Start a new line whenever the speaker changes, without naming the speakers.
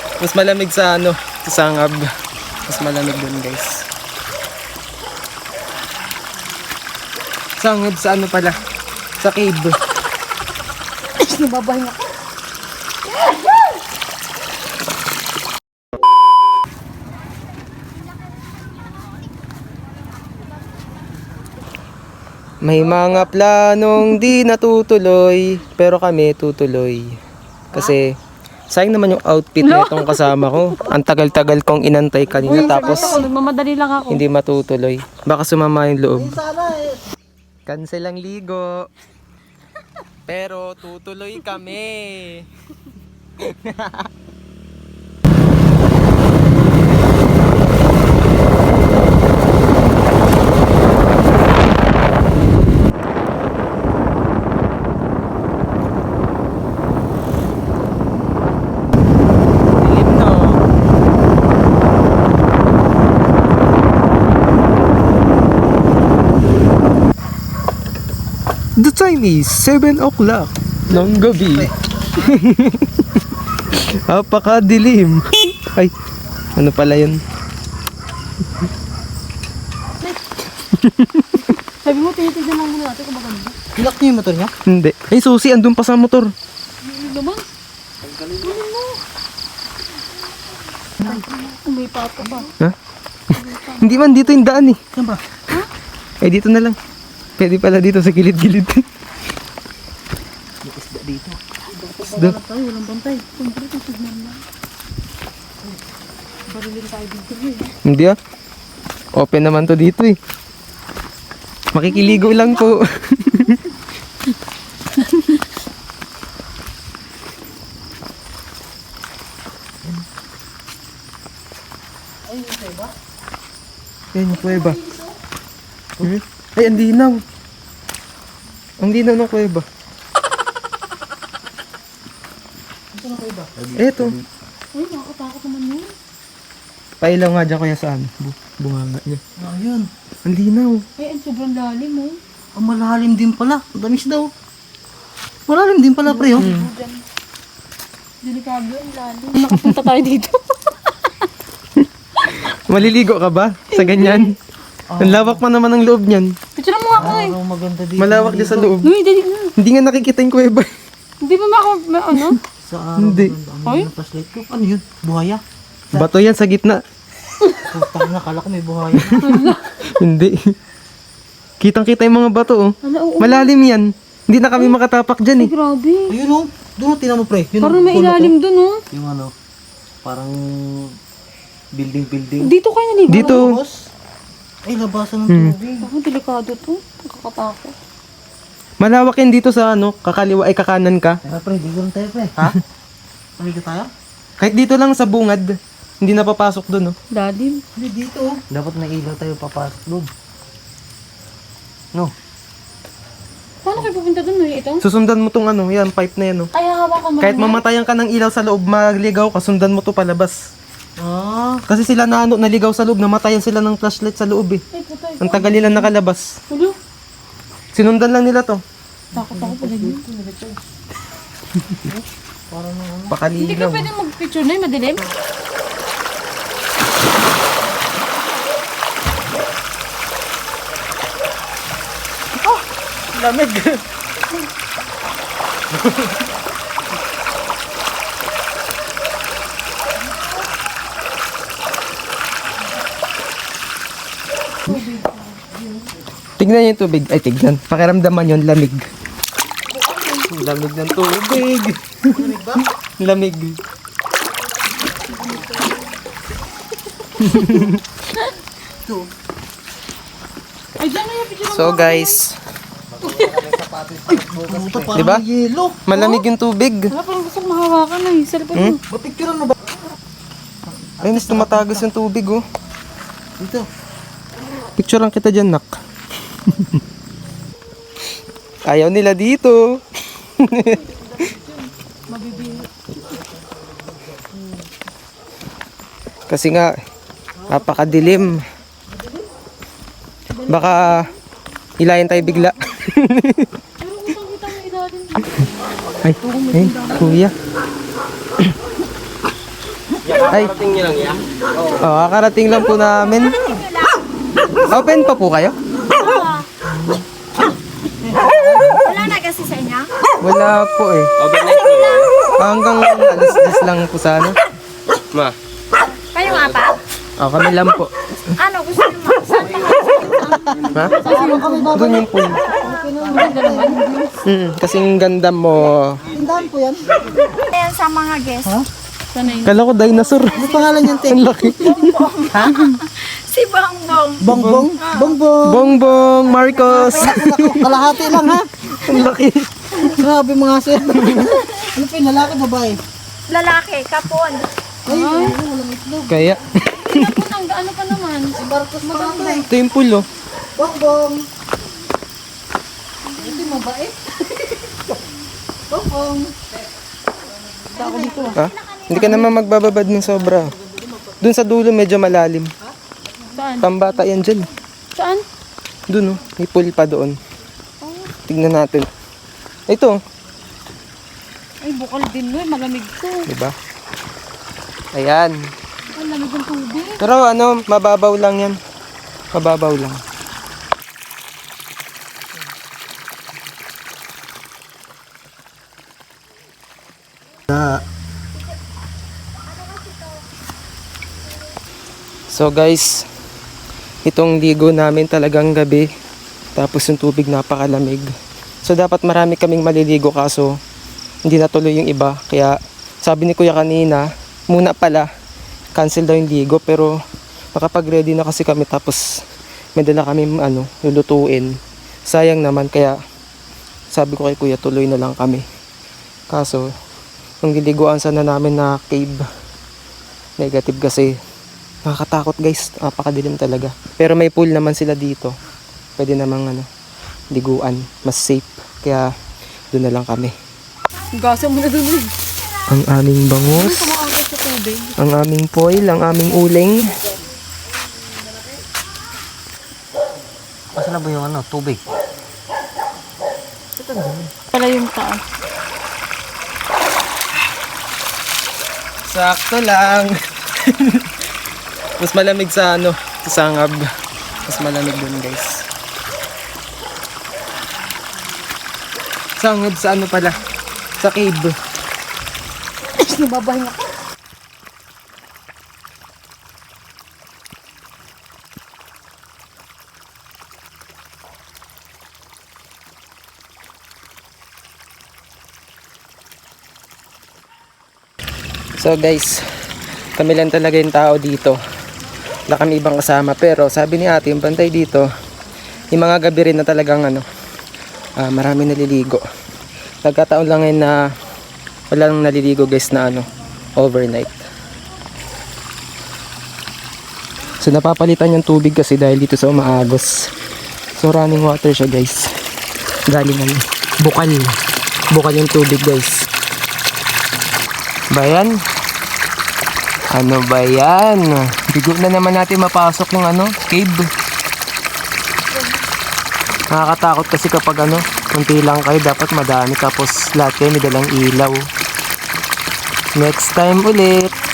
Mas malamig sa ano, sa Sangab. Mas malamig dun guys. Sangab sa ano pala? Sa cave.
Nababahin ako.
May mga planong di natutuloy, pero kami tutuloy. Kasi sayang naman yung outfit na itong kasama ko. Ang tagal-tagal kong inantay kanina tapos
Nagmamadali lang ako.
hindi matutuloy. Baka sumama yung loob. Cancel ang ligo. Pero tutuloy kami. Dilim no. The time is 7 o'clock ng gabi. Apakadilim. Ay, ano pala yun?
Sabi mo, tinitignan lang muna natin kung maganda.
Lock niyo yung motor niya?
Hindi. Ay, susi, andun pa sa motor.
Hindi naman. Tanggalin mo. May papa ba?
Ha? Hindi man, dito yung daan eh.
Saan ba?
Eh, dito na lang. Pwede pala dito sa gilid-gilid.
May isda dito.
Isda.
Wala tayo, walang bantay. Siyempre, titignan na. Barilin tayo dito eh.
Hindi ah. Open naman to dito eh. Makikiligo lang po. Yan yung kuweba. Hmm? Ay, ang linaw. Ang linaw ng kuweba. Eto.
Ay, nakakatakot naman yun.
Pailaw nga dyan kaya saan? Bunganga niya.
Ayun.
Ang linaw.
Ay, ang sobrang lalim oh.
Ang malalim din pala. Ang damis daw. Malalim din pala pre oh.
Diyan. Delikado ang lalim. Nakapunta tayo dito.
Maliligo ka ba sa ganyan? Ang lawak pa naman ng loob niyan.
Picture mo nga ako eh.
Ang maganda dito.
Malawak din sa loob.
Uy, dali na.
Hindi nga nakikita yung kuweba.
Hindi ba ano?
Sa araw.
Hindi.
Ang ng flashlight ko. Ano yun? Buhaya?
Bato yan sa gitna.
Putang na, kala ko may buhaya.
Hindi. Kitang-kita yung mga bato oh.
Ano, oo.
Malalim yan. Hindi na kami makatapak dyan eh.
Ay, grabe.
Ayun oh. Doon oh, tinan mo pre. Yun,
Parang
oh,
may
puno
ilalim
ko.
dun oh.
Yung ano. Parang building.
Dito kayo naligo.
Dito.
Tapos, ay labasan ng tubig.
Ako, delikado to. Nakakatakot.
Malawak yan dito sa ano, kakaliwa ay kakanan ka.
Tara pre, di ko lang tayo pre.
Ha?
Pamiga tayo?
Kahit dito lang sa bungad. Hindi na papasok doon oh.
Lalim.
Hindi dito oh. Dapat may ilaw tayo papasok doon. No.
Paano kayo pupunta dun eh? Ito?
Susundan mo tong ano, yan, pipe na yan oh.
Ay, hawakan mo.
Kahit
lang yan.
mamatayan ka ng ilaw sa loob, magligaw ka, sundan mo to palabas.
Ah.
Kasi sila na ano, naligaw sa loob, namatayan sila ng flashlight sa loob eh.
Ay, putay.
Ang tagal nila nakalabas.
Ulo.
Sinundan lang nila to.
Takot ako pala yun. Hindi ka
Pakaligaw.
pwede mag-picture na yung madilim?
Lamig. Tignan niyo yung tubig. Ay, tignan. Pakiramdaman yun, lamig. Lamig ng tubig. Lamig.
Ay, dyan na yung picture.
So guys,
Puta, parang
Diba?
may yelo.
malamig yung tubig.
Wala, parang gusto ko mahawakan na eh. Sa likod mo.
Mapicturean mo ba?
Ayun, mas tumatagas yung tubig oh.
Dito.
Picturean kita dyan, nak. Ayaw nila dito. Kasi nga, napakadilim. Baka ilayan tayo bigla.
Pero kung kita mo ilalim.
Ay, kuya. Ay. Oh, kakarating lang po namin. Open pa po kayo?
Wala na kasi sa inyo?
Wala po eh. Hanggang alas 10 lang po sana. Ma.
Kayong apat?
Oh, kami lang po.
Ano, gusto nyo saan pa
Ha? Doon yung pool. Kasing ganda mo.
Tindahan po yan.
Ayan sa mga guests.
Kala ko dinosaur.
Ano pangalan yan, te?
Ang laki.
Si Bongbong.
Bongbong? Bongbong.
Bongbong Marcos.
Kalahati lang, ha?
Ang laki.
Grabe mga sir. Ano pa yung lalaki, babae?
Lalaki, kapon.
Ay, walang itlog.
Kaya.
Ano pa naman?
Si Marcos maganda eh.
Ito yung pool oh.
Bongbong. Ito yung mabait. Bongbong. Ako dito ah.
Ha? Hindi ka naman magbababad ng sobra. Doon sa dulo medyo malalim.
Saan?
Pambata yan dyan.
Saan?
Doon oh. May pool pa doon. Tignan natin. Ito.
Ay, bukal din mo. Malamig to.
Diba? Ayan.
Ang lamig ng tubig.
Pero ano, mababaw lang yan. Mababaw lang. So guys, itong ligo namin talagang gabi. Tapos yung tubig napakalamig. So dapat marami kaming maliligo kaso hindi natuloy yung iba. Kaya sabi ni Kuya kanina, muna pala, cancel daw yung ligo. Pero makapag-ready na kasi kami tapos may dala kami lulutuin. Sayang naman kaya sabi ko kay Kuya tuloy na lang kami. Kaso, yung liliguan sana namin na cave, negative kasi nakakatakot guys, napakadilim talaga. Pero may pool naman sila dito. Pwede namang liguan, mas safe. Kaya doon na lang kami.
Gasa mo na dun eh.
Ang aming bangus,
Kumakakit sa tubig.
ang aming foil, ang aming uling.
Asa na ba yung tubig?
Pala yung taas.
Sakto lang. Mas malamig sa sa sangab. Mas malamig dun guys. Sangab sa pala? Sa cave.
Nababahin ako.
So guys, kami lang talaga yung tao dito. Wala kami ibang kasama. Pero sabi ni ate, yung bantay dito, yung mga gabi rin na talagang marami naliligo. Nagkataon lang ngayon na wala nang naliligo guys na overnight. So napapalitan yung tubig kasi dahil dito sa umaagos. So running water siya guys. Galing bukal. Bukal yung tubig guys. Bayan. Ano ba yan? Bigo na naman natin mapasok yung cave. Nakakatakot kasi kapag kunti lang kayo, dapat madami tapos lahat kayo may dalang ilaw. Next time ulit.